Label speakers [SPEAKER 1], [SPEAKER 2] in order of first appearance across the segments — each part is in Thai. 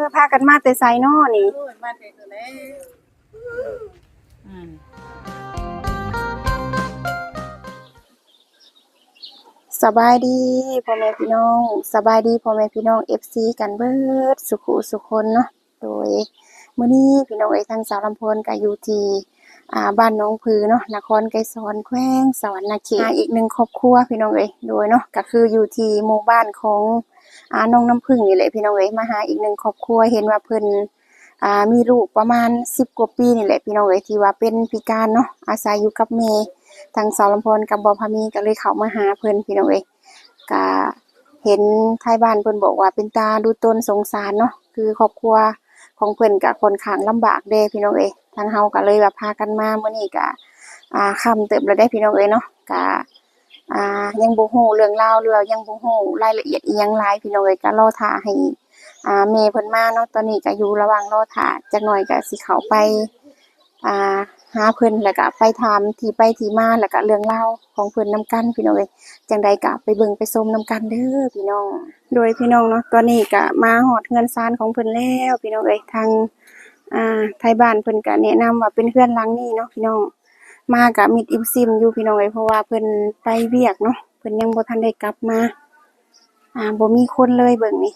[SPEAKER 1] พากันมาแต่ไสน้อนี่
[SPEAKER 2] โอ้ยมาแต่ตัวแล้วอืม
[SPEAKER 1] สบายดีพ่อแม่พี่น้องสบายดีพ่อแม่พี่น้อง FC กันเบิดสุขุสุขคนเนาะโดยมื้อนี้พี่น้องทางสาวลำพนก็อยู่ที่บ้านหนองผือเนาะนครไกรสอนแขวงสวรรณเขตอีกหนึ่งครอบครัวพี่น้องโดยเนาะก็คืออยู่ที่หมู่บ้านของน้องน้ำผึ้งนี่แหละพี่น้องมาหาอีกหนึ่งครอบครัวเห็นว่าเพิ่นมีลูกประมาณ10กว่าปีนี่แหละพี่น้องที่ว่าเป็นพิการเนาะอาศัยอยู่กับแม่ทางสาวลำพนกับบ่พามีก็เลยเข้ามาหาเพิ่นพี่น้องก็เห็นท้ายบ้านเพิ่นบอกว่าเป็นตาดูตนสงสารเนาะคือครอบครัวของเพิ่นก็ค่อนข้างลำบากเด้พี่น้องทางเฮาก็เลยแบบพากันมามื้อนี้ก็ค่ำเติบแล้วได้พี่น้องเนาะก็ยังบ่ฮู้เรื่องราวหรือว่ายังบ่ฮู้รายละเอียดอิหยังหลายพี่น้องก็รอท่าให้แม่เพิ่นมาเนาะตอนนี้ก็อยู่ระหว่างรอท่าจักหน่อยก็สิเข้าไปหาเพิ่นแล้วก็ไปถามที่ไปที่มาแล้วก็เรื่องราวของเพิ่นนำกันพี่น้องจังใดก็ไปเบิ่งไปชมนำกันเด้อพี่น้องโดยพี่น้องเนาะตอนนี้ก็มาฮอดเรือนซานของเพิ่นแล้วพี่น้องทางไทบ้านเพิ่นก็แนะนำว่าเป็นเรือนหลังนี้เนาะพี่น้องมาก็มิดอิมซิมอยู่พี่น้องเพราะว่าเพิ่นไปเวียกเนาะเพิ่นยังบ่ทันได้กลับมาบ่มีคนเลยเบิ่งนี่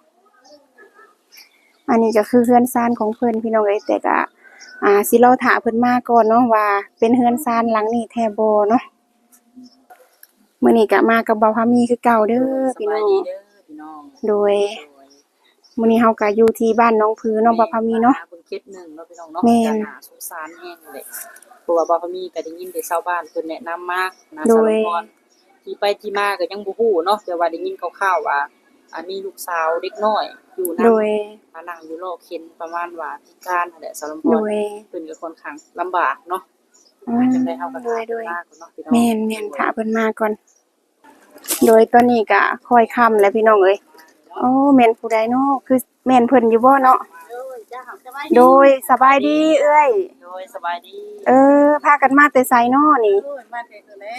[SPEAKER 1] อันนี้ก็คือเรือนซานของเพิ่นพี่น้องแต่ก็สิรอท่าเพิ่นมาก่อนเนาะว่าเป็นเรือนซานหลังนี้แท้บ่เนาะมื้อนี้ก็มากับบ่าวพามีคือเก่าเด้อพี่น้องโดยมื้อนี้เฮาก็อยู่ที่บ้านหนองผือเนาะบ่าวพามีเนาะ
[SPEAKER 2] เพิ่นเก็บหนึ่งเนาะพี่น้องเนาะจะน่าสงสารแฮงเลยเพราะว่าบ่พมีก็ได้ยินแต่ชาวบ้านเพิ่นแนะนำมานะสารพรที่ไปที่มาก็ยังบ่ฮู้เนาะแต่ว่าได้ยินคร่าวๆว่ามีลูกสาวเด็กน้อยอยู่นำ
[SPEAKER 1] โดย
[SPEAKER 2] นั่งอยู่รอเข็นประมาณว่าพิการนั่นแหละสารพรเพิ่นก็ค่อนข้างลำบากเนาะจังได๋เฮาก็ถามมาก่อนเนาะพี่น้อง
[SPEAKER 1] แม่นๆถ้าเพิ่นมาก่อนโดยตอนนี้ก็ค่อยค่ำแล้วพี่น้องโอ้แม่นผู้ใดเนาะคือแม่นเพิ่นอยู่บ่เนาะโดยสบายดีเอ้ย
[SPEAKER 2] โดยสบายดี
[SPEAKER 1] พากันมาแต่ไสน้อนี่
[SPEAKER 2] โอ้ยมาแต่ตัวแล้ว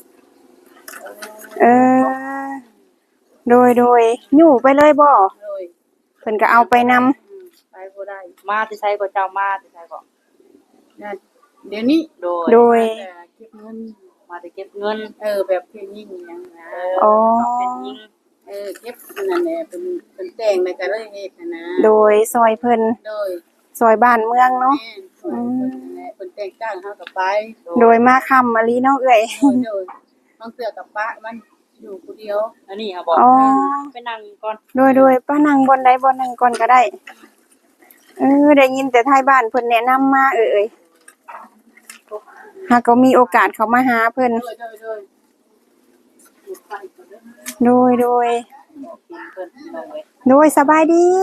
[SPEAKER 1] เออโดยยู่ไปเลยบ่
[SPEAKER 2] โดย
[SPEAKER 1] เพิ่นก็เอาไปนำ
[SPEAKER 2] ไปบ่ได้มาที่ไสก็เจ้ามาที่ไสก็นั่นเดี๋ยวนี้
[SPEAKER 1] โดย
[SPEAKER 2] เก็บเงินมาได้เก็บเงินแบบเพิ่นยิ่งหยังนะ
[SPEAKER 1] อ๋อ
[SPEAKER 2] เป็นยิ่งเก็บนั่นแหละเป็นแต่งแล้วก็เลยเฮ็ดนะ
[SPEAKER 1] โดยซอยเพิ่น
[SPEAKER 2] โดย
[SPEAKER 1] ซอยบ้านเมืองเนาะ
[SPEAKER 2] เพิ่นแต่งจ้างเฮาก็ไป
[SPEAKER 1] โดยมาค่ำมะลิเนาะเอ้ย
[SPEAKER 2] โดยน้องเสือกับป้ามันอยู่ผู้เดียวอันนี้ค่ะบอกไปนั่งก่อน
[SPEAKER 1] โดยป้านั่งบนใดบนหนึ่งก่อนก็ได้ได้ยินแต่ท้ายบ้านเพิ่นแนะนำมาหากก็มีโอกาสเขามาหาเพิ่นโดยสบายดี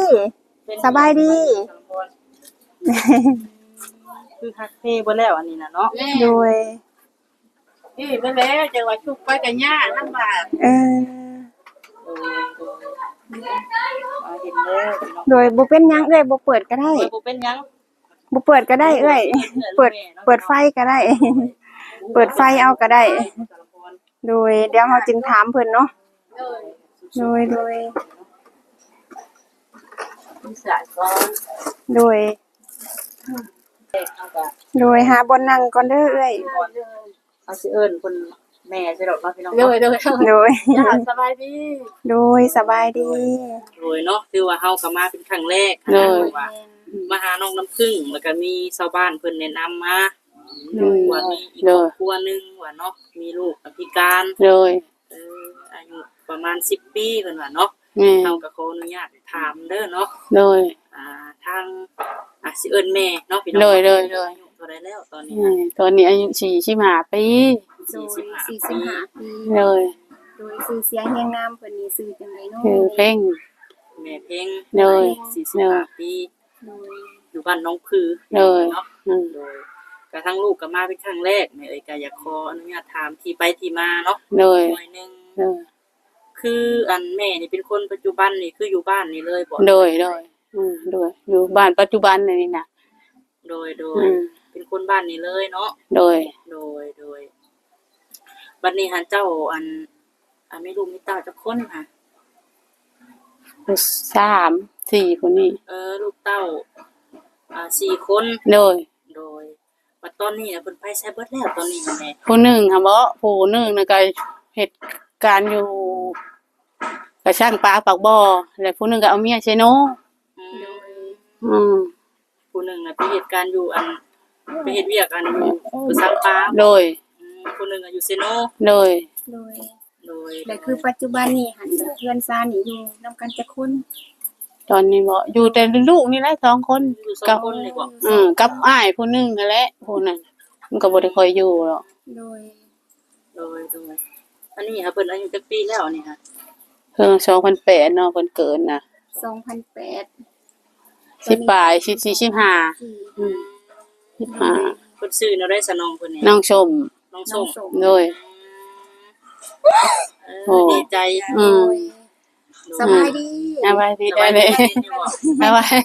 [SPEAKER 2] คือคักเท่บ่แล้วอันนี้น่ะเนาะ
[SPEAKER 1] โดย
[SPEAKER 2] บ่แล้วจังว่าชุกไปก็ยากลำบาก
[SPEAKER 1] เห็นแล้วโดยบ่เป็นหยังบ่เปิดก็ได้
[SPEAKER 2] บ่เป็นหยัง
[SPEAKER 1] บ่เปิดก็ได้เปิดไฟก็ได้เปิดไฟเอาก็ได้โดยเดี๋ยวเฮาจึงถามเพิ่นเนาะโดยหาบ่นั่งก่อนเด้อ
[SPEAKER 2] เอาสิเอิ้นเพิ่นแม่สิดอกเนาะพี่น้อง
[SPEAKER 1] โดย
[SPEAKER 2] สบายดี
[SPEAKER 1] สบายดี
[SPEAKER 2] เนาะคือว่าเฮาก็มาเป็นครั้งแรกว่ามาหาน้องน้ำผึ้งแล้วก็มีชาวบ้านเพิ่นแนะนำมาว่ามีอีกครอบครัวนึงว่าเนาะมีลูกพิการอายุประมาณ10ปีเพิ่นว่าเนาะเฮาก็ขออนุญาตถามเด้อเนาะทางสิเอิ้นแม่เนาะพี่น้องเท่าใดแล้วตอน
[SPEAKER 3] นี้อายุ45ปี
[SPEAKER 1] 45ปี
[SPEAKER 3] โดย
[SPEAKER 1] ชื่อเสียงแห่งนามเพิ่นนี่ชื่อจังได๋เนาะ
[SPEAKER 3] คือเพ่ง
[SPEAKER 2] แม่เพ่ง
[SPEAKER 3] โดย
[SPEAKER 2] 45ปีอยู่บ้านน้องผือ
[SPEAKER 3] เ
[SPEAKER 2] นาะกระทั่งลูกก็มาเป็นครั้งแรกแม่ก็อยากขออนุญาตถามที่ไปที่มาเนาะหน่อยนึงคืออันแม่นี่เป็นคนปัจจุบันนี่คืออยู่บ้านนี่เลยบ่
[SPEAKER 3] โดยอยู่บ้านปัจจุบันนี่น่ะ
[SPEAKER 2] โดยเป็นคนบ้านนี่เลยเนาะ
[SPEAKER 3] โดย
[SPEAKER 2] บัดนี้หันเจ้าอันไม่รู้มีเต้าจักคนค่ะ
[SPEAKER 3] ลูกสามสี่ผู้นี้
[SPEAKER 2] ลูกเต้า4คน
[SPEAKER 3] โดย
[SPEAKER 2] โดยบัดตอนนี้น่ะเพิ่นไปไสเบิดแล้วตอนนี้น่ะแม่
[SPEAKER 3] ผู้หนึ่งค่ะบ่ผู้หนึ่งน่ะก็เหตุการณ์อยู่กับช่างปลาปากบ่อแล้วผู้หนึ่งก็เอาเมียใช่โน
[SPEAKER 2] อืม
[SPEAKER 3] อืม
[SPEAKER 2] ผู้หนึงน่ะไปเฮ็ดการอยู่ไปเฮ็ดเวียกอยู่ผู้สร้างปลา
[SPEAKER 3] โดย
[SPEAKER 2] ผู้หนึงอยู่เซโน
[SPEAKER 3] โดย
[SPEAKER 1] โดย
[SPEAKER 2] โดย
[SPEAKER 1] และคือปัจจุบันนี้หันเพื่อนซ่านนี่อยู่นำกันจักคน
[SPEAKER 3] ตอนนี้บ่อยู่แต่ลูกนี่แหละ2คน
[SPEAKER 2] อยู่2คนนี่บ่
[SPEAKER 3] กับอ้ายผู้หนึงนั่นแหละผู้นั้นมันก็บ่ได้ค่อยอยู่หรอก
[SPEAKER 1] โดย
[SPEAKER 2] อันนี้ค่ะเพิ่นอายุจักปีแล้วนี่ค่ะ
[SPEAKER 3] เพิ่น2008เนาะเพิ่นเกิดน่ะ
[SPEAKER 1] 2008
[SPEAKER 3] สิปลาย4515
[SPEAKER 2] เพิ่นชื่อแนวใดซะน้องเพิ่นนี่
[SPEAKER 3] น้องชมโดย
[SPEAKER 2] ดีใจ
[SPEAKER 1] สบายดี
[SPEAKER 3] สบายดีได้เลยสบาย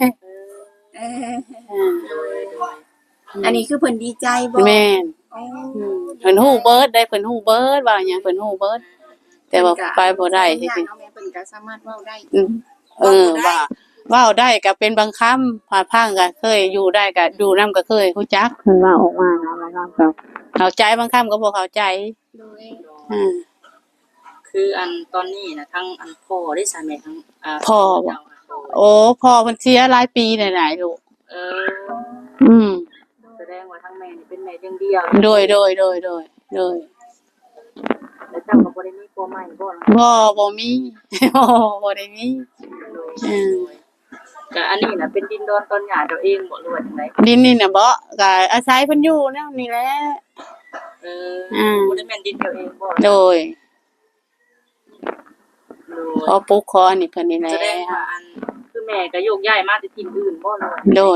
[SPEAKER 1] อันนี้คือเพิ่นดีใจบ่
[SPEAKER 3] แม่นเพิ่นฮู้เบิดได้เพิ่นฮู้เบิดว่าหยังเพิ่นฮู้เบิดแต่ว่าไปบ่ได้จริง
[SPEAKER 1] ๆเพิ่นก็สามารถเว้าได้
[SPEAKER 3] ว่าเว้าได้ก็เป็นบางคำผ่าพังก็เคยอยู่ได้ก็อยู่นำก็เคยฮู้จักเพิ่นว่าออกมานะบางคำก็เข้าใจบางคำก็บ่เข้าใจ
[SPEAKER 1] โดย
[SPEAKER 2] คือตอนนี้น่ะทั้งพ่อได้ซะแม่ทั้ง
[SPEAKER 3] พ่อโอ้พ่อเพิ่นเสียหลายปีหลายๆลูก
[SPEAKER 2] แสดงว่าทั้งแม่นี่เป็นแม่เลี้ยงเดี่ยว
[SPEAKER 3] โดย
[SPEAKER 2] แล้วเจ้าก็บ่ได้มีผัวใหม่บ่
[SPEAKER 3] บ่มีบ่ได้มี
[SPEAKER 2] ก็อันนี้น่ะเป็นดินดอนตอนหญ้าเจ้าเองบ่หรือว่าจังได๋
[SPEAKER 3] ดินนี่น่ะบ่ก็อาศัยเพิ่นอยู่แนวนี้แหละ
[SPEAKER 2] บ่ได้แม่นดินเจ้าเองบ่
[SPEAKER 3] โดยขอปลูกขออันนี้เพิ่นนี่แหละ
[SPEAKER 2] แสดงว่าคือแม่ก็โยกย้ายมาแต่ที่อื่นบ่เลย
[SPEAKER 3] โดย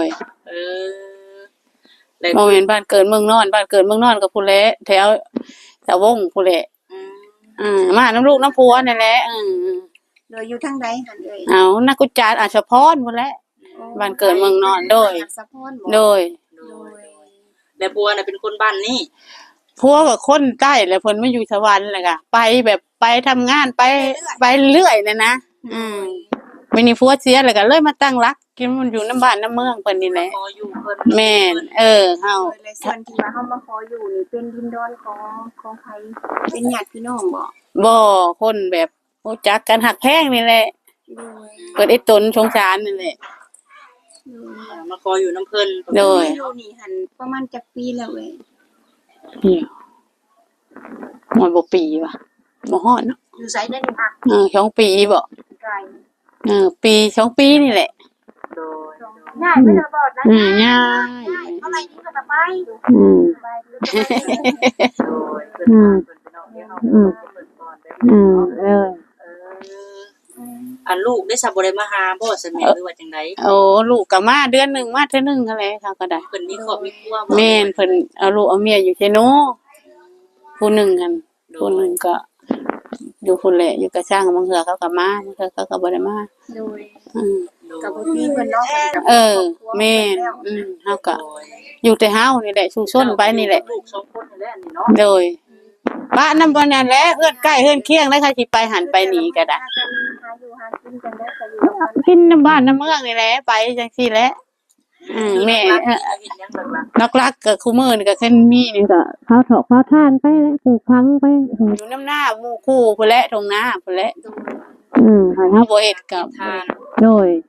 [SPEAKER 3] บ่แม่นบ้านเกิดเมืองนอนบ้านเกิดเมืองนอนก็พุ่นแหละแถวตะวงพุ่นแหละมาน้ำลูกน้ำผัวนั่นแหละ
[SPEAKER 1] โดยอยู่ทางใดหั่นเอ้ย
[SPEAKER 3] เอานักกุจารอาชพรพุ่นแหละบ้านเกิดเมืองนอนโดย
[SPEAKER 2] แล้วผัวน่ะเป็นคนบ้านนี้
[SPEAKER 3] ผัวก็คนใต้แล้วเพิ่นมาอยู่สวรรค์แหละก็ไปแบบไปทำงานไปเรื่อยเลยนะมื้อนี้ผัวเสียแล้วก็เลยมาตั้งรักกินมันอยู่น้ำบ้านน้ำเมืองเพิ่นนี่แหละแม่นเฮา
[SPEAKER 1] ส่วนที่ว่าเฮามาขออยู่นี่เป็นดินดอนของไผเป็นญาติพี่น้อง
[SPEAKER 3] บ่คนแบบรู้จักกันฮักแพงนี่แหละเพิ่นไอ้ตนสงสารนี่แหละ
[SPEAKER 2] มาขออยู่น้ำเพิ่น
[SPEAKER 3] โดย
[SPEAKER 1] อยู่นี่หั่นประมาณจักปีแล้วเว้ย
[SPEAKER 3] มันบ่ปีว่ะบ่ฮอดเนาะ
[SPEAKER 1] อยู่ไสได้นี่ค่ะ
[SPEAKER 3] 2ปีบ่ปี2ปีนี่แหละ
[SPEAKER 1] ง่ายไปแล้วบ่นะ
[SPEAKER 3] ง่าย
[SPEAKER 1] เท่าไหร่นี่ก็ไป
[SPEAKER 2] ลูกได้สับบ่ได้มาหาบ่ซั่นแม่หรือว่าจังได๋
[SPEAKER 3] ลูกก็มาเดือนนึงมาเทื่อนึงนั่นแหละเขาก็ได้
[SPEAKER 2] เพิ่นมีครอบมีครัวบ่
[SPEAKER 3] แม่นเพิ่นเอาลูกเอาเมียอยู่ไชโนผู้นึงหั่นผู้นึงก็อยู่พุ่นแหละอยู่กับช่างบางเทื่อเขาก็มาบางเทื่อเขาก็บ่ได้มา
[SPEAKER 1] โดยก็บ่มีเพิ่นเนาะ
[SPEAKER 3] แม่นเฮาก็อยู่แต่เฮานี่แหละชุมชนไปนี่แหละ
[SPEAKER 2] ลูก2คนนี่แหละนี่เนาะ
[SPEAKER 3] โดยบ้านนำบ่นั่นแหละเฮือนใกล้เฮือนเคียงแล้วใครสิไปหันไปหนีก็ได้กินน้ำบ้านน้ำเมืองนี่แหละไปจังซี่แหละแม่ลักๆก็คู่มื้อนี่ก็แค่มีนี่ก็เผาถอกเผาท่านไปแล้วปลูกพังไปอยู่น้ำหน้าหมู่คู่พุ่นแหละตรงหน้าพุ่นแหละให้เฮาบ่เฮ็ดกับโดย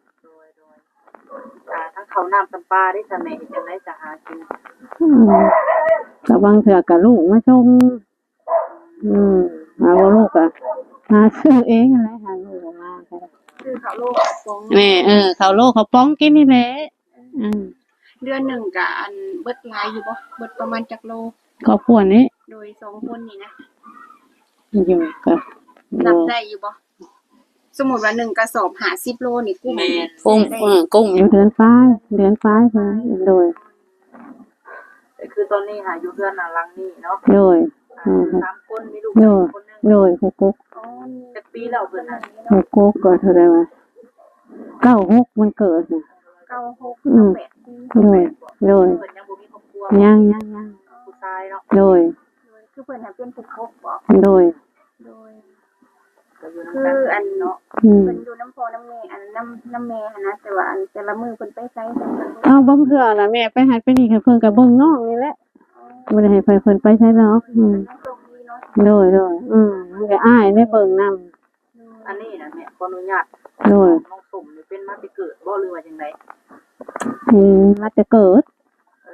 [SPEAKER 2] ทั้งข้าวน้ำประปาได้ซะแม่เฮ็ดจังได๋จะหากิน
[SPEAKER 3] ก็บางเทื่อก็ลูกมาส่งหาว่าลูกก็หาซื้อเองนั่นแหละหาลูกมาก็ได้
[SPEAKER 1] คือข้าวโลกข้าวป้อง
[SPEAKER 3] แม่ข้าวโลกข้าวป้องกินนี่แหละ
[SPEAKER 1] เดือนนึงก็เบิดหลายอยู่บ่เบิดประมาณจักโล
[SPEAKER 3] ครอบครัวนี้
[SPEAKER 1] โดย2คนนี่นะ
[SPEAKER 3] อยู่ก็
[SPEAKER 1] นับได้อยู่บ่สมมุติว่า1กระสอบ50โลนี่กุ้ง
[SPEAKER 3] กุ้งอยู่เดือนปลายเพิ่นโดย
[SPEAKER 2] คือตอนนี้หาอยู่เดือนหลังนี้เนาะ
[SPEAKER 3] โดย
[SPEAKER 2] 3คนมีลูกคนนึง
[SPEAKER 3] โดยกุ๊ก
[SPEAKER 2] จักปีแล้วเพิ่นน่ะ
[SPEAKER 3] กุ๊กก็เท่าใดวะ96มันเกิดน่ะ
[SPEAKER 1] 96 8ปี
[SPEAKER 3] โดย
[SPEAKER 2] เพิ่นยังบ่มีครอบครัว
[SPEAKER 3] ยัง
[SPEAKER 2] ผู้ชายเนาะ
[SPEAKER 3] โดย
[SPEAKER 1] คือเพิ่นน่ะเป็นผู้คบบ่
[SPEAKER 3] โดย
[SPEAKER 2] ก็อยู่
[SPEAKER 1] คื
[SPEAKER 2] นำ
[SPEAKER 1] อ
[SPEAKER 2] กั
[SPEAKER 1] อั
[SPEAKER 2] น
[SPEAKER 1] น
[SPEAKER 2] เนาะ
[SPEAKER 1] เพิ่นอยู่น้ำพ่อน้ำแม่อันน้ำแม่หันนะแต่ว่าอันแต่ละมื้อเพิ่นไปไสเพิ่นก็บ่
[SPEAKER 3] เอาบ่เทื่อล่ะแม่ไปหัดไปนี่ก็เพิ่นก็เบิ่งน้องนี่แหละบ่ได้ให้เพิ่นไปใช้ดอก
[SPEAKER 1] ยังตรงนี้เนาะ
[SPEAKER 3] โดยมันก็อ้ายได้เบิ่งนำ
[SPEAKER 2] อันนี้นะแม่ขออนุญาต
[SPEAKER 3] โดย
[SPEAKER 2] น้องตุ่มนี่เป็นมาแต่เกิดบ่หรือว่าจังได
[SPEAKER 3] มาแต่เกิด
[SPEAKER 2] เอ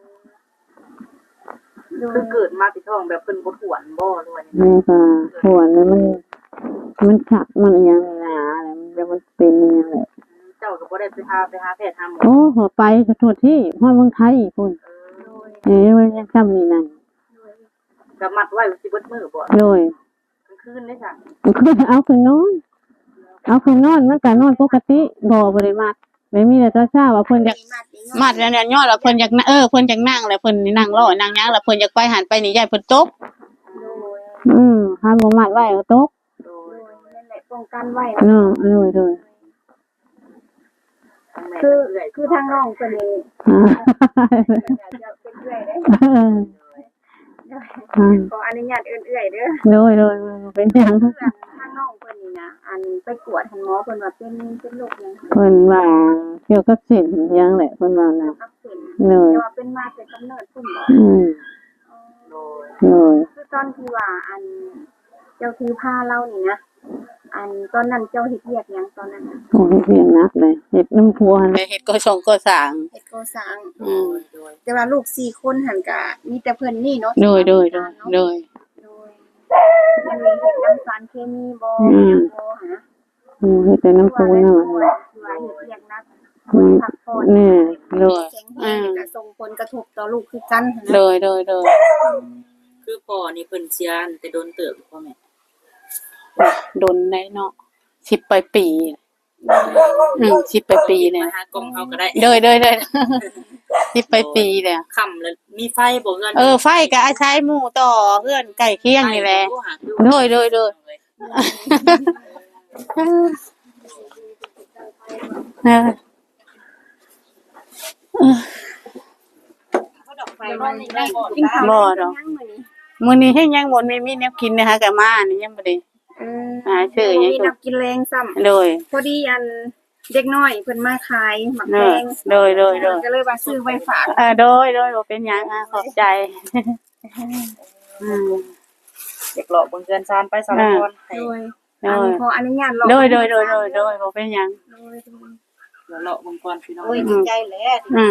[SPEAKER 2] อคือเกิดมาที่ท้องแบบเพิ่นบ่ถวนบ่หรือว่าจังได
[SPEAKER 3] แม่ก็ถวนแล้วมันขักมันอีหยังนี่นะแล้วมันแบบมันเป็นอีหยังแหละ
[SPEAKER 2] เจ้าก็บ่ได้ไปหาแพทย์หาหมอ
[SPEAKER 3] โอ้ขอไปก็โทษที่ฮอดเมืองไทยอีกพุ่นมันยังซ้ำนี่นั่น
[SPEAKER 2] ก็มัดไว้สิเบิดมื้อบ่
[SPEAKER 3] โดย
[SPEAKER 2] กลางคืนได้จ้ะ
[SPEAKER 3] มันคือเอาคืนนอนมันก็นอนปกติบ่ได้มัดไม่มีแต่ตอนเช้าว่าเพิ่นอยากมัดแล้วเนี่ยยอดว่าเพิ่นอยากเพิ่นอยากนั่งแล้วเพิ่นนี่นั่งรอนั่งหยังแล้วเพิ่นอยากไปหันไปนี่ยายเพิ่นตกห้ามบ่มัดไว้ก็ตก
[SPEAKER 2] โดย
[SPEAKER 1] นั่นแหละป้องกันไว้
[SPEAKER 3] โดย
[SPEAKER 2] ทางแม่
[SPEAKER 1] คือ
[SPEAKER 2] เอื้อย
[SPEAKER 1] คือทางน้องเพิ่นนี่
[SPEAKER 3] อ่า
[SPEAKER 1] จะเป็นเอื้อยเด้ ขออนุญาตเอื้อยเด้อ
[SPEAKER 3] โดยเป็นหยัง
[SPEAKER 1] เพื่อนทางน้องเพิ่นนี่นะอันไปกวดหันหมอเพิ่นว่าเป็นโรคหยัง
[SPEAKER 3] เพิ่นว่าเกี่ยวกับเส้นหยังแหละเพิ่นว่าน่ะ
[SPEAKER 1] อักเสบ
[SPEAKER 3] โดย
[SPEAKER 1] แต่ว่าเป็นมาแต่กำเนิดพุ่นบ่
[SPEAKER 2] โดย
[SPEAKER 3] โดย
[SPEAKER 1] คือตอนที่ว่าอันเจ้าถือผ้าเล่านี่นะอันตอนนั้นเจ้าเฮ็ดเวียกหยังตอนนั้นน่ะ
[SPEAKER 3] โอ้ยเสียงนักเลยเฮ็ดน้ำพัวหั่นเฮ็ดก็ส่งก็สร้าง
[SPEAKER 1] เฮ็ดก่อสร้าง
[SPEAKER 2] โดย
[SPEAKER 1] แต่ว่าลูก4คนหั่นก็มีแต่เพิ่นนี่เนาะ
[SPEAKER 3] โดย
[SPEAKER 1] โดยมันมีเฮ็ดน้ำสารเคมีบ่หยังบ่หั่นนะ
[SPEAKER 3] เฮ็ดแต่น้ำพัวนั่น
[SPEAKER 1] ว่า
[SPEAKER 3] แหละ
[SPEAKER 1] เฮ็ดเวียกหนัก
[SPEAKER 3] อืม
[SPEAKER 1] พักผ่อน
[SPEAKER 3] นี่โดย
[SPEAKER 1] แข็งแรงก็ส่งผลกระทบต่อลูกคือกันหั่น
[SPEAKER 3] โด
[SPEAKER 1] นะ
[SPEAKER 3] ย
[SPEAKER 2] คือพ่อนี่เพิ่นเสียแต่โดนเติบพ่อแม่
[SPEAKER 3] โดนได้เนาะ10ปลายปี10ปลายปีเนี่ย
[SPEAKER 2] มาหากล้องเฮาก็ได้
[SPEAKER 3] โดย10ปลายปีเลย
[SPEAKER 2] ค่ำแล้วมีไฟบ่เฮือน
[SPEAKER 3] ไฟก็อาศัยหมู่ต่อเพื่อนใกล้เคียงนี่แหละโดย
[SPEAKER 1] ไฟมันได้กินข้าว
[SPEAKER 3] บ่ดอก มื้อนี้เฮ็ดหยังบ่มีแนวกินนะคะก็มานี่ยังบ่ได้ หาซื้อหยัง
[SPEAKER 1] มีน้ำกินแรงซ้ำ
[SPEAKER 3] โดย
[SPEAKER 1] พอดีอันเด็กน้อยเพิ่นมาขายหมักแดง
[SPEAKER 3] โดย
[SPEAKER 1] ก็เลยว่าซื้อไว้ฝาก
[SPEAKER 3] โดยบ่เป็นหยังขอบใจ
[SPEAKER 2] อยากหลอกเบิ่งเฮือนซานไปสารพรให้
[SPEAKER 1] โดยอันขออนุญาตลอง
[SPEAKER 3] โดยบ่เป็นหยัง
[SPEAKER 2] เดี๋ยวหลอกเบิ่งก่อนพี่น้อง
[SPEAKER 1] โอ้ยดีใจแหละ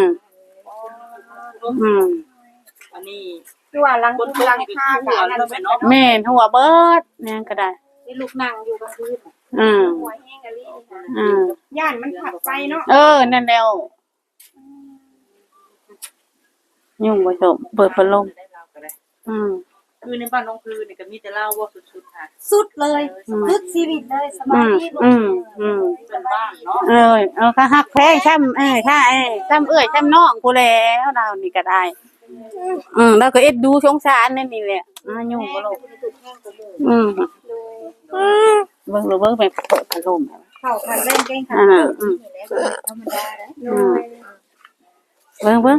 [SPEAKER 2] อันนี้
[SPEAKER 1] คือว่าหลังคุณหลังคาก็อันนั้น
[SPEAKER 3] แม่นหัวเบิดเนี่ยก็ได้
[SPEAKER 1] นี่ลูกนั่งอยู่กลางคืน หัวแห้งกะลี่ย่านมันผัดไปเนาะ
[SPEAKER 3] นั่นแล้วยุ่งบ่จบเปิดพัดลม
[SPEAKER 2] ได้เราก็ได้
[SPEAKER 3] อืม
[SPEAKER 2] คือในบ้านน้องคือนี่ก็มีแต่เล่าว่าสุดๆค่ะ
[SPEAKER 1] สุดเลยสุดชีวิตเลยสบายดีลูก
[SPEAKER 2] เป็นบ้านเนาะ
[SPEAKER 3] ก็ฮักแพงช้ำถ้าช้ำช้ำน้องกูแล้วเรานี่ก็ได้แล้วก็เอ็ดดูสงสารนั่นนี่แหละยุ่งบ่ลูกเบิ่งไปเปิดพัดลม
[SPEAKER 1] เข้าคันเล่นเก่งค่ะนี่แหละธรรมดาเด้อ
[SPEAKER 3] เบิ่ง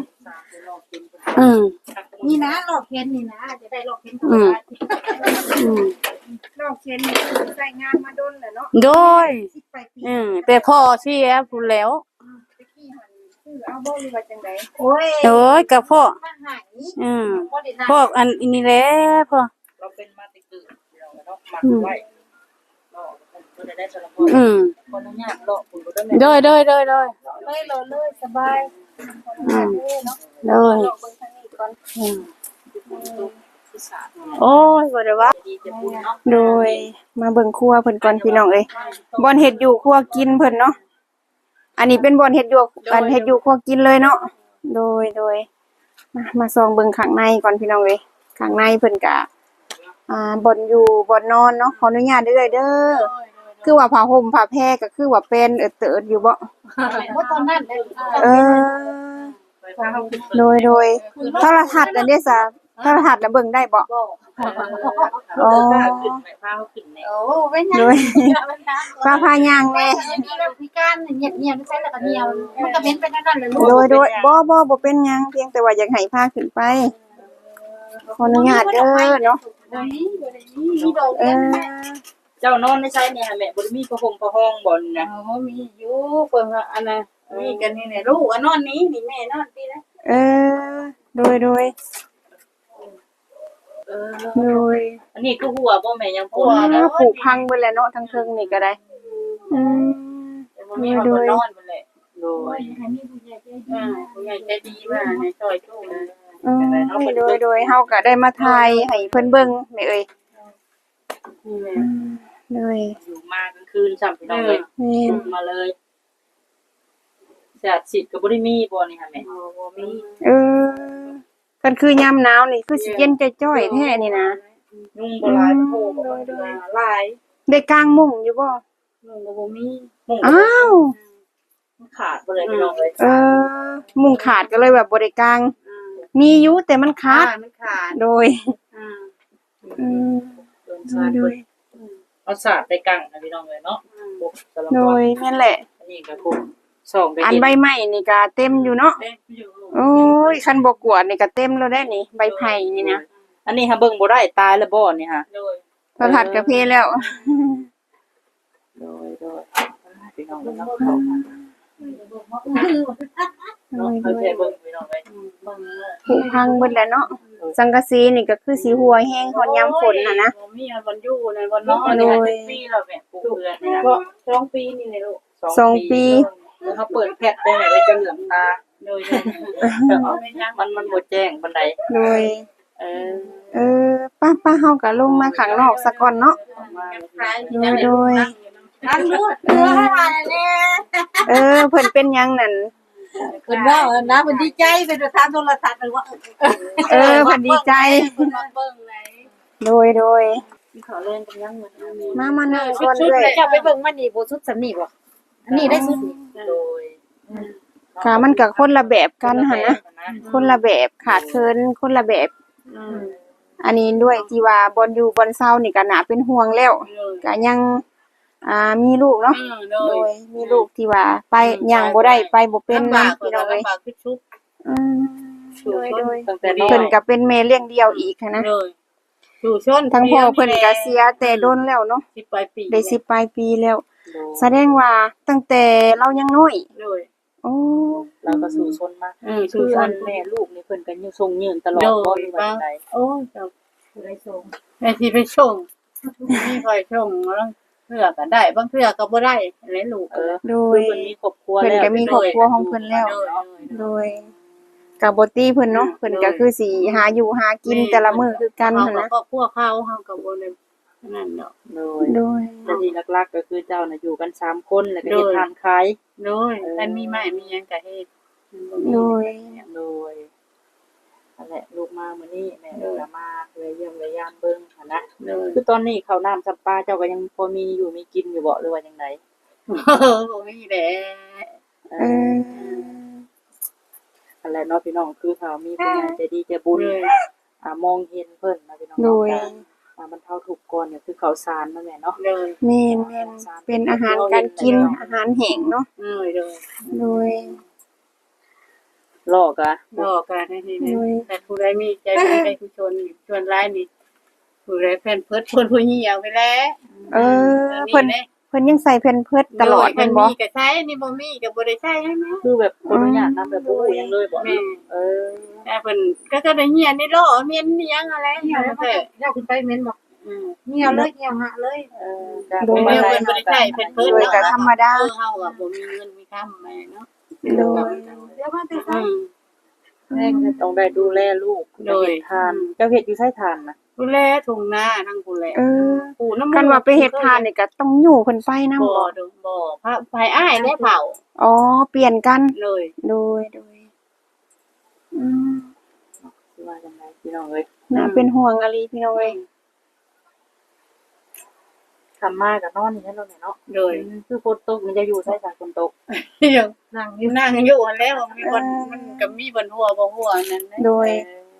[SPEAKER 1] นี่นะหลอกเพ้นนี่นะจะได้หลอกเพ้นธรรมดาหลอกเพ้นนี่คือใส่งานมาดนแหละเนาะ
[SPEAKER 3] โดย
[SPEAKER 1] 10ไปปี
[SPEAKER 3] แต่พ่อเสียพูดแล้ว
[SPEAKER 1] ตะกี้หันคือเอาบ่หรือว่าจังได๋โอ้ย
[SPEAKER 3] กับพ่อ
[SPEAKER 1] มาหาย
[SPEAKER 3] พ่ออันนี้แหละพ่อ
[SPEAKER 2] เราเป็นมาติกือเราเนาะมัดไว้เนาะก็ได้สารพรคนอนุญาตหลอกคุณบ่ได้แม่
[SPEAKER 3] โดย
[SPEAKER 1] เลยเลยสบายเนาะ
[SPEAKER 3] โดย
[SPEAKER 1] หลอกเบิ่งทางนี้ก่อน
[SPEAKER 2] ที่ศาสตร์
[SPEAKER 3] โอ้ยบ่ได้ว่า
[SPEAKER 2] ดีจะบุญเนาะ
[SPEAKER 1] โดยมาเบิ่งครัวเพิ่นก่อนพี่น้องเอ้ยบ่อนเฮ็ดอยู่ครัวกินเพิ่นเนาะอันนี้เป็นบ่อนเฮ็ดอยู่เฮ็ดอยู่ครัวกินเลยเนาะโดยมาส่องเบิ่งข้างในก่อนพี่น้องเอ้ยข้างในเพิ่นก็บ่อนอยู่บ่อนนอนเนาะขออนุญาตเด้อคือว่าผ้าห่มผ้าแพรก็คือว่าเป็นเติดอยู่บ่
[SPEAKER 4] ว่าตอนนั้นได้
[SPEAKER 1] เออโดยโทรทัศน์อันนี้ซะโทรทัศน์น่ะเบิ่งได้บ่อ๋อ
[SPEAKER 2] ขึ้นไปพาเขาขึ้นแน่
[SPEAKER 4] โอ้เป็นยัง
[SPEAKER 1] โดยพาย่างแน่
[SPEAKER 4] มีเราพิการเงียบๆไม่ใช่แล้วก็เงียบมันก็เป็นไปนั่นเลยลูก
[SPEAKER 1] โดยบ่เป็นหยังเพียงแต่ว่าอยากให้พาขึ้นไปขออนุญาตเด้อเนาะ
[SPEAKER 4] นี่โดน
[SPEAKER 1] เออ
[SPEAKER 2] เจ้านอนในไสเนี่ยแม่บ่ได้มีผ้าห่มผ้าห้องบ่นี่นะ
[SPEAKER 3] อ๋อมีอยู่เพิ่นว่าอันน่ะมีกันนี่แหละลูกนอนนี้นี่แม่นอนพี่นะ
[SPEAKER 1] เออโดย
[SPEAKER 2] เออ
[SPEAKER 1] โดย
[SPEAKER 2] อันนี้คือหัวบ่แม่ยังปวด
[SPEAKER 1] ผูกพังเบิดแล้วเนาะทั้งเทิงนี่ก็ได้อืม
[SPEAKER 3] บ่มีคนนอนเพิ่นแหละ
[SPEAKER 2] โดย
[SPEAKER 4] ให้มีผู้ใหญ่ใจดี
[SPEAKER 3] ผู้ใหญ่ใจดีว่าให้ช่วยตู้
[SPEAKER 1] อืมโดยเฮาก็ได้มาถ่ายให้เพิ่นเบิ่งแม่เอ้ย
[SPEAKER 3] นี่แหละ
[SPEAKER 1] โดย
[SPEAKER 2] อยู่มากลางคืนซ้ํพี่น้องเอ้ย
[SPEAKER 1] แม่น
[SPEAKER 2] มาเลยแสดสิทธิ์ก็บ่ได้มีบ่นี่ค่ะแม่
[SPEAKER 3] บ่มี
[SPEAKER 1] เออกันคือยามหนาวนี่คือสิเย็นจ้อยๆแท้นี่นะ
[SPEAKER 2] ยุ่งบ่หลายโพบ่หลาย
[SPEAKER 1] ได้กางมุ้งอยู่บ่
[SPEAKER 3] ลุงก็บ่มี
[SPEAKER 2] มุ่ง
[SPEAKER 1] อ้าว
[SPEAKER 2] ขาดบ่เลยพี่น้องเอ้ย
[SPEAKER 1] มุ้งขาดก็เลยแบบบ่ได้กางมีอยู่แต่มันขาด
[SPEAKER 3] มันขาด
[SPEAKER 1] โดย
[SPEAKER 3] อืม
[SPEAKER 2] โดนชาดเพิ่นเอาสาดไปกังนะพี่น้องเอ้ยเนาะพวกสลับ
[SPEAKER 1] โดยแม่นแหละ
[SPEAKER 2] อันนี้ก็พวกส่องไป
[SPEAKER 1] อัน
[SPEAKER 2] เห็น
[SPEAKER 1] ใบไม้นี่ก็เต็มอยู่เนาะ
[SPEAKER 3] เอ๊ะอยู่
[SPEAKER 1] โอ้ยคันบ่กวาดนี่ก็เต็มแล้วได้นี่ใบไผ่นี่นะ
[SPEAKER 2] อันนี้ฮะเบิ่งบ่ได้ตายแล้วบ่นี่ฮะ
[SPEAKER 3] โดย
[SPEAKER 1] พระผัดกะเพแล้ว
[SPEAKER 2] โดยพี่น้องเนาะ
[SPEAKER 1] โดย
[SPEAKER 2] เคยเบิ่งพี่น้องเอ้ย
[SPEAKER 3] เบิ่ง
[SPEAKER 1] ผุพังเบิดแล้วเนาะสังกะสีนี่ก็คือสีหัวแห้งฮอดยามฝนน่ะนะ
[SPEAKER 3] บ่มีวันอยู่ในวันน
[SPEAKER 2] น้
[SPEAKER 3] อ
[SPEAKER 2] อง
[SPEAKER 3] น
[SPEAKER 2] อัน
[SPEAKER 3] นี่
[SPEAKER 2] นี้
[SPEAKER 3] แหละ
[SPEAKER 2] ปีแล้วแม่ปลูกเรือนนี่นะ
[SPEAKER 3] ก็2 ปีนี่แหละลูก
[SPEAKER 1] 2 ปี
[SPEAKER 2] แล้วเขาเปิดแพทได้ไหนเลยจะเหลืองตา
[SPEAKER 3] โดย
[SPEAKER 2] มันบ่แจ้งปานใด
[SPEAKER 1] โดย
[SPEAKER 2] เออ
[SPEAKER 1] ป้าเฮาก็ลงมาข้างนอกซะก่อนเนาะ โดย
[SPEAKER 3] อันนู้นเรือให้มาแน่
[SPEAKER 1] เพิ่นเป็นหยังนั่น
[SPEAKER 3] เพิ่นว่านะเพิ่นดีใจเป็นประธานโทรทัศน์เลยว่า
[SPEAKER 1] เพิ่นดีใจ
[SPEAKER 3] เพิ่นมาเบิ่งไหน
[SPEAKER 1] โดย
[SPEAKER 2] เขาเล่นกันยังเหมือนกัน
[SPEAKER 1] มานั่งก่อนเด้อย
[SPEAKER 3] เจ้าไปเบิ่งมันนี่บ่สุดสำนีบ่อันนี้ได้สุด
[SPEAKER 2] โดย
[SPEAKER 1] ค่ะมันก็คนละแบบกันหั่นนะคนละแบบขาดเคินคนละแบบ อันนี้ด้วยที่ว่าบอนอยู่บอนเซานี่ก็น่าเป็นห่วงแล้วก็ยังมีลูกเนาะ
[SPEAKER 3] โด
[SPEAKER 1] โด
[SPEAKER 3] ย
[SPEAKER 1] ยมีลูกที่ว่าไปย่างบ่ได้ไปบ่เป็น
[SPEAKER 3] ลำบาก
[SPEAKER 1] พี่น้องเอ้ย
[SPEAKER 3] ลำบากคือชุบ
[SPEAKER 1] อืมโดย
[SPEAKER 2] ตั้งแต่น้อ
[SPEAKER 1] เพิ่น
[SPEAKER 2] ย
[SPEAKER 1] ก็เป็นแม่เลี้ยงเดี่ยวอีกหั้นนะ
[SPEAKER 3] โดยสู่ชน
[SPEAKER 1] ทั้งพ่อเพิ่นก็เสียแต่โดนแล้วเนาะ
[SPEAKER 3] 10ปลายปี
[SPEAKER 1] ได้10ปลายปีแล้ว แสดงว่าตั้งแต่เรายังน้อย
[SPEAKER 3] โดย
[SPEAKER 1] โอ้
[SPEAKER 2] เราก็สู่ชนมา
[SPEAKER 3] สู่
[SPEAKER 2] คือ
[SPEAKER 3] ช
[SPEAKER 2] อั
[SPEAKER 3] น
[SPEAKER 2] นแม่ลูกนี่เพิ่นก็อยู่ทรงยืนตลอดบ่หรือว่าจังได
[SPEAKER 3] โอ้ยเจ้าได้ส่งไอ้ที่ไปส่งนี่คอยส่งแล้วเทื่อก็ได้บางเทื่อก็บ่ได้แล้ลูก
[SPEAKER 1] โด
[SPEAKER 2] คื
[SPEAKER 1] ย
[SPEAKER 2] อเพิ่นมีครอบครัว
[SPEAKER 1] เพิ่น
[SPEAKER 2] แล้ว
[SPEAKER 1] ก็มีครอบครัวของเพิ่นแล้ว โดยก็บ่ตีเพิ่นเนาะเพิ่นก็คือสิหาอยู่หากินแต่ละมื้อคือกัน
[SPEAKER 3] เฮา
[SPEAKER 1] หั่นนะ
[SPEAKER 3] ก็พวกเขาเฮาก็บ่ได้นั่นเนาะ
[SPEAKER 2] โดย
[SPEAKER 1] โดย
[SPEAKER 2] แต่ที่หลักๆก็คือเจ้าน่ะอยู่กัน3คนแล้วก็เฮ็ดทานขาย
[SPEAKER 3] โดยมันมีไม้มีหยังก็เฮ็ด
[SPEAKER 1] โดย
[SPEAKER 2] โดยนั่นแหละลูกมามื้อนี้แม่ก็มาเลยเยี่ยมเลยยามเบิ่งหั่นนะ
[SPEAKER 3] โดย
[SPEAKER 2] คือตอนนี้ข้าวน้ำซับปลาเจ้าก็ยังพอมีอยู่มีกินอยู่บ่หรือว่าจังได
[SPEAKER 3] บ่มีแหละ
[SPEAKER 1] เออ
[SPEAKER 2] นั่นแหละเนาะพี่น้องคือถ้ามีผู้ใหญ่ใจดีใจบุญมองเห็นเพิ่นนะพี่น้อง
[SPEAKER 1] โดย
[SPEAKER 2] มันเท่าถูกก่อนเนี่ยคือข้าวสารนั่นแหละเนาะ
[SPEAKER 3] โดย
[SPEAKER 1] แม่นเป็นอาหารการกินอาหารแห้งเนาะ
[SPEAKER 3] โดย
[SPEAKER 1] โดย
[SPEAKER 2] ลอกะ
[SPEAKER 3] บอกกันให้ดีแต่ผู้ใดมีใจบุญใจกุศลชวนร้ายนี่ผู้ใดแฟนเพิ่นผู้เหี่ยวไปแล้ว
[SPEAKER 1] เพิ่นยังใส่แผ่นเพิดตลอด
[SPEAKER 3] มั
[SPEAKER 1] แม่
[SPEAKER 3] น
[SPEAKER 1] นบ่
[SPEAKER 3] มีก็ใช้นี่บ่มีก็บ่ได้ใช้ให้แม่
[SPEAKER 2] คือแบบคนอนุญาตนำแบบบ่รู้หยังเลยบ่
[SPEAKER 3] แม่ แต่เพิ่นก็ได้เหี่ยในโลเมียนอีหยังอะไรเหี่ยวแล้วแต่
[SPEAKER 4] เจ้าขึ้นไปเม้นบอก
[SPEAKER 3] อืม
[SPEAKER 4] เหี่ยวเลยเหี่ยวหะเลย
[SPEAKER 1] โดย
[SPEAKER 3] เพิ่นบ่ได้ใช้เพิ่น
[SPEAKER 1] โดยก็ธรรมดา
[SPEAKER 3] เฮาก็บ่มีเงินมีคำแม่เนาะ
[SPEAKER 1] โดย
[SPEAKER 4] เดี๋ยวมาแต่
[SPEAKER 3] อืม
[SPEAKER 2] แม่ก็ต้องได้ดูแลลูก
[SPEAKER 3] โดย
[SPEAKER 2] ทานเจ้าเฮ็ดอยู่ไสทานนะ
[SPEAKER 3] ผู้แลทุ่งนาทั้งผู้แล ผู้น้ำ
[SPEAKER 1] กันว่าไปเฮ็ดทานนี่ก็ต้องอยู่เพิ่นไปนำ
[SPEAKER 3] บ่
[SPEAKER 1] บ่
[SPEAKER 3] ดอกบ่พระภายอ้ายและเผา
[SPEAKER 1] อ๋อเปลี่ยนกัน
[SPEAKER 3] เลย
[SPEAKER 1] โดยอืม
[SPEAKER 2] สิว่าจังไดพี่น้องเอ้ย
[SPEAKER 1] น่าเป็นห่วงอะลีพี่น้องเอ้ย
[SPEAKER 2] ทำมาก็นอนนี่แหละเนาะ
[SPEAKER 3] เลย
[SPEAKER 2] คือฝนตกมันจะอยู่ไสจากฝนตก
[SPEAKER 3] ยังนั่งอยู่แล้วมีคนมันก็มีบนหัวบ่หัวนั่นนะ
[SPEAKER 1] โดย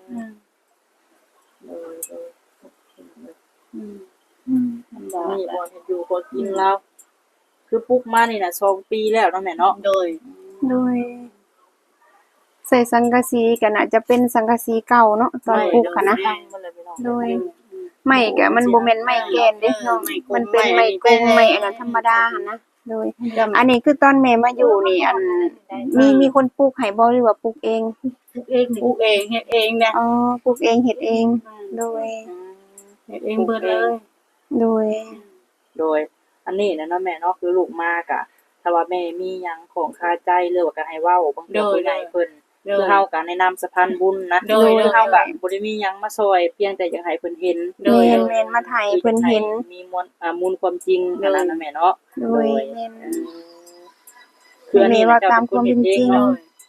[SPEAKER 2] นี่บ่เฮ็ดอยู่บ่กินแล้วคือปลุกมานี่น่ะ2ปีแล้วเนาะแม่เนาะ
[SPEAKER 3] โดย
[SPEAKER 1] โดยใส่สังกะสีก็น่าจะเป็นสังกะสีเก่าเนาะตอนปลูกค่ะนะ โดยไม่ก็มันบ่แม่นไม้แกนเด้เนาะมันเป็นไม้กงไม้อันนั้นธรรมดาหั่นนะโดยอันนี้คือตอนแม่มาอยู่นี่อันมีคนปลูกให้บ่หรือว่าปลูกเอง
[SPEAKER 3] ปลูกเองเฮ็ดเองนะ
[SPEAKER 1] อ๋อปลูกเองเฮ็ดเองโดย
[SPEAKER 3] เฮ็ดเองเบิดเลย
[SPEAKER 1] โดย
[SPEAKER 2] โดยอันนี้นะเนาะแม่เนาะคือลูกมากอะถ้าว่าแม่มีหยังของคาใจหรือว่าก็ให้เว้าบางเทื่อผู้ใหญ่เพิ่นคือเฮาก็แนะนำสะพานบุญนะคือเฮาก็บ่ได้มีหยังมาซอยเพียงแต่อยากให้เพิ่นเห็น
[SPEAKER 1] แม่นมาถ่ายเพิ่นเห็น
[SPEAKER 2] มีมูลความจริงอันนั้นนะแม่เนาะ
[SPEAKER 1] โดยแม่น
[SPEAKER 2] คืออันนี้
[SPEAKER 1] ว่าตามความเป็นจริง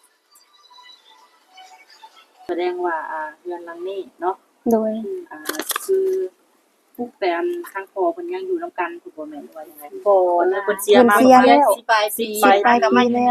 [SPEAKER 2] แสดงว่าเรือนหลังนี้เนาะ
[SPEAKER 1] โดย
[SPEAKER 2] คือพวกแต่ทางพ่อเพิ่นยังอยู่นํกันถูกบ่แม่นว่าจังได๋
[SPEAKER 3] บ่
[SPEAKER 2] เพิ่นเสียมา
[SPEAKER 1] เพิ่นเสียแล้ว
[SPEAKER 3] สิปลายปี
[SPEAKER 1] ปลายปีแล้ว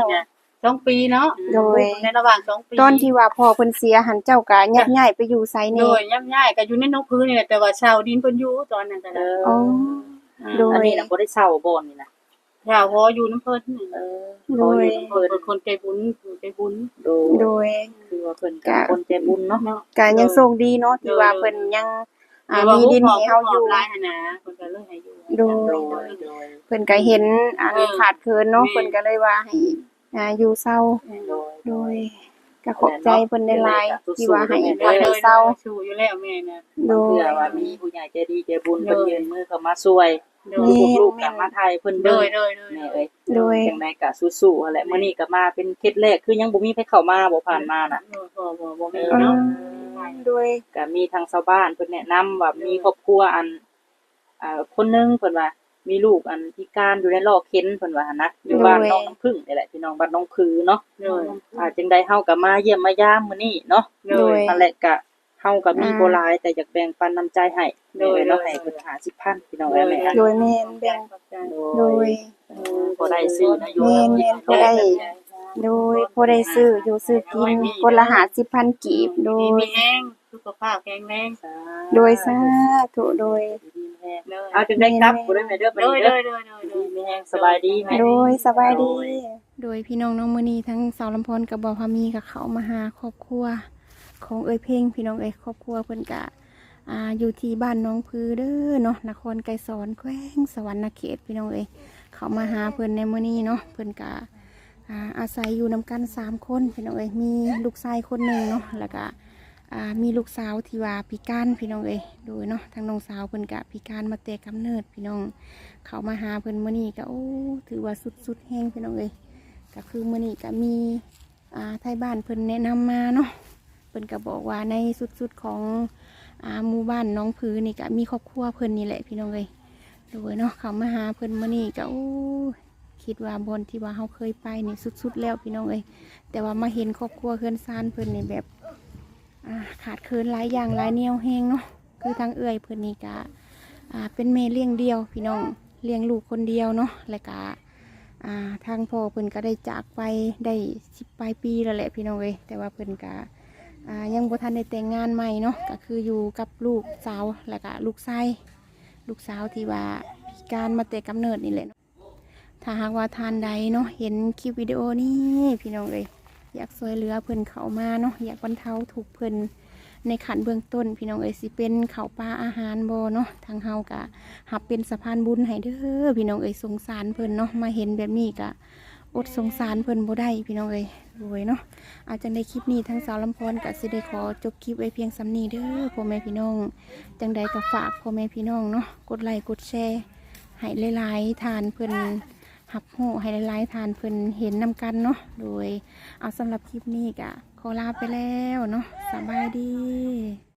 [SPEAKER 3] 2 ปีเนาะ
[SPEAKER 1] โดย
[SPEAKER 3] ในระหว่าง2ปี
[SPEAKER 1] ตอนที่ว่าพ่อเพิ่นเสียหันเจ้าก็ยักย้ายไปอยู่ไส
[SPEAKER 3] โด
[SPEAKER 1] นี่
[SPEAKER 3] ยย่ำย้ายก็อยู่ในนกพื้นนี่แหละแต่ว่าชาวดินเพิ่นอยู่ตอนนั้นก็ได้
[SPEAKER 1] อ๋อ โดย
[SPEAKER 2] อันนี้น่ะบ่ได้เช่าบ่นี่นะ
[SPEAKER 3] ชาวพออยู่น้ำเพิ่นนี่
[SPEAKER 1] โดย
[SPEAKER 3] เพิ่นเป็นคนใจบุญใจบุญ
[SPEAKER 1] โดย
[SPEAKER 2] คือว่าเพิ่นก็คนใจบุญเนาะ
[SPEAKER 1] ก็ยังโชคดีเนาะที่ว่าเพิ่นยังมีดินให้เฮาอยู่
[SPEAKER 3] หลายหั่นนะเพิ่นก็เลยให้อยู่
[SPEAKER 1] โดย
[SPEAKER 2] โดย
[SPEAKER 1] เพิ่นก็เห็นขาดเคินเนาะเพิ่นก็เลยว่าให้อยู่เศร้า
[SPEAKER 2] โดย
[SPEAKER 1] โดยก็ขอบใจเพิ่นหลายๆที่ว่าให้พักให้เศร้า
[SPEAKER 3] สู้อยู่แล้วแม่น่ะ
[SPEAKER 1] โดย
[SPEAKER 2] เพื่อว่ามีผู้ใหญ่ใจดีใจบุญเพิ่นยื่นมือเข้ามาช่วย
[SPEAKER 3] โด
[SPEAKER 1] แม่
[SPEAKER 3] ย
[SPEAKER 2] ลูกๆก็มาไทยเพิ่น
[SPEAKER 3] โด
[SPEAKER 2] เบิ่ง
[SPEAKER 3] ยโดย
[SPEAKER 2] แม่เอ้ย
[SPEAKER 1] โดย
[SPEAKER 2] จังไดก็สู้ๆนั่นแหละมื้อนี้ก็มาเป็นเคสแรกคือยังบ่มีไผเข้ามาบ่ผ่านมาน่ะ
[SPEAKER 3] บ่มี
[SPEAKER 1] อื
[SPEAKER 3] เนาะ
[SPEAKER 1] มโดย
[SPEAKER 2] ก็มีทางชาวบ้านเพิ่นแนะนำว่ามีครอบครัวอันคนหนึงเพิ่นว่ามีลูกอันพิการอยู่ในลอกเข็นเพิ่นว่าหั่นนะอยู่บ้านน้องน้ำพึ่งนี่แหละพี่น้องบ้านน้องคือเนาะ
[SPEAKER 3] โดย
[SPEAKER 2] จังได๋เฮาก็มาเยี่ยมมายามมื้อนี้เนาะ
[SPEAKER 3] โดย
[SPEAKER 2] นั่นแหละก็เฮาก็มีบ่หลายแต่อยากแบ่งปันน้ำใจให้โดยเนาะให้เพิ่น50,000พี่น้องเอ้ยแม่
[SPEAKER 1] โดยแม่นแบ่งโดย
[SPEAKER 2] บ่ได้ซื้อนะอยู่
[SPEAKER 1] แม่นๆบ่ได้ โดยพอได้ซื้ออยู่ซื้อกินคนละ50,000กีบโดย
[SPEAKER 3] มีแห้งสุขภาพแข็งแรง
[SPEAKER 1] โดยสาธุโดย
[SPEAKER 2] เอาจังได๋ครับบ่ได้แม่เด้อไป
[SPEAKER 3] โดย
[SPEAKER 2] เด้อ
[SPEAKER 3] โดยโดย
[SPEAKER 2] มีแฮงสบายดีแม่
[SPEAKER 1] โดยสบายดี โดยพี่น้องน้องมื้อนี้ทั้งสาวลำพรกับบ่าวพามีกับเขามาหาครอบครัวของเอ้ยเพ่งพี่น้องเอ้ยครอบครัวเพิ่นก็อยู่ที่บ้านน้องพือเด้อเนาะนครไกรสอนแขวงสวรรณเขตพี่น้องเอ้ยเขามาหาเพิ่นในมื้อนี้เนาะเพิ่นก็อาศัยอยู่นำกัน3คนพี่น้องเอ้ยมีลูกชายคนหนึงเนาะแล้วก็มีลูกสาวที่ว่าพิการพี่น้องเอ้ยโดยเนาะทางน้องสาวเพิ่นก็พิการมาแต่กำเนิดพี่น้องเขามาหาเพิ่นมื้อนี้ก็โอ้ถือว่าสุดๆแฮงพี่น้องเอ้ยก็คือมื้อนี้ก็มีไทยบ้านเพิ่นแนะนำมาเนาะเพิ่นก็บอกว่าในสุดๆของหมู่บ้านน้องผือนี่ก็มีครอบครัวเพิ่นนี่แหละพี่น้องเอ้ยโดยเนาะเขามาหาเพิ่นมื้อนี้ก็โอ้คิดว่าบนที่ว่าเฮาเคยไปนี่สุดๆแล้วพี่น้องเอ้ยแต่ว่ามาเห็นครอบครัวเฮือนซานเพิ่นนี่แบบขาดเคินหลายอย่างหลายแนวแฮงเนาะคือทางเอื้อยเพิ่นนี่ก็เป็นแม่เลี้ยงเดียวพี่น้องเลี้ยงลูกคนเดียวเนาะและก็ทางพ่อเพิ่นก็ได้จากไปได้10 ปลายปีแล้วแหละพี่น้องเอ้ยแต่ว่าเพิ่นก็ยังบ่ทันได้แต่งงานใหม่เนาะก็คืออยู่กับลูกสาวและก็ลูกชายลูกสาวที่ว่าพิการมาแต่กำเนิดนี่แหละถ้าหากว่าทานใดเนาะเห็นคลิปวิดีโอนี้พี่น้องเอ้ยอยากช่วยเหลือเพิ่นเข้ามาเนาะอยากบรรเทาทุกข์เพิ่นในขันเบื้องต้นพี่น้องเอ้ยสิเป็นข้าวปลาอาหารบ่เนาะทางเฮากะหับเป็นสะพานบุญให้เด้อพี่น้องเอ้ยสงสารเพิ่นเนาะมาเห็นแบบนี้กะอดสงสารเพิ่นบ่ได้พี่น้องเอ้ยรวยเนาะอาจจะในคลิปนี้ทั้งสาวลำพรกะสิได้ขอจบคลิปไว้เพียงสำนี้เด้อพ่อแม่พี่น้องจังใดก็ฝากพ่อแม่พี่น้องเนาะกดไลค์กดแชร์ให้หลายๆทานเพิ่นหับหูให้หลายๆทานเพิ่นเห็นนำกันเนาะโดยเอาสำหรับคลิปนี้กะขอลาไปแล้วเนาะสบายดี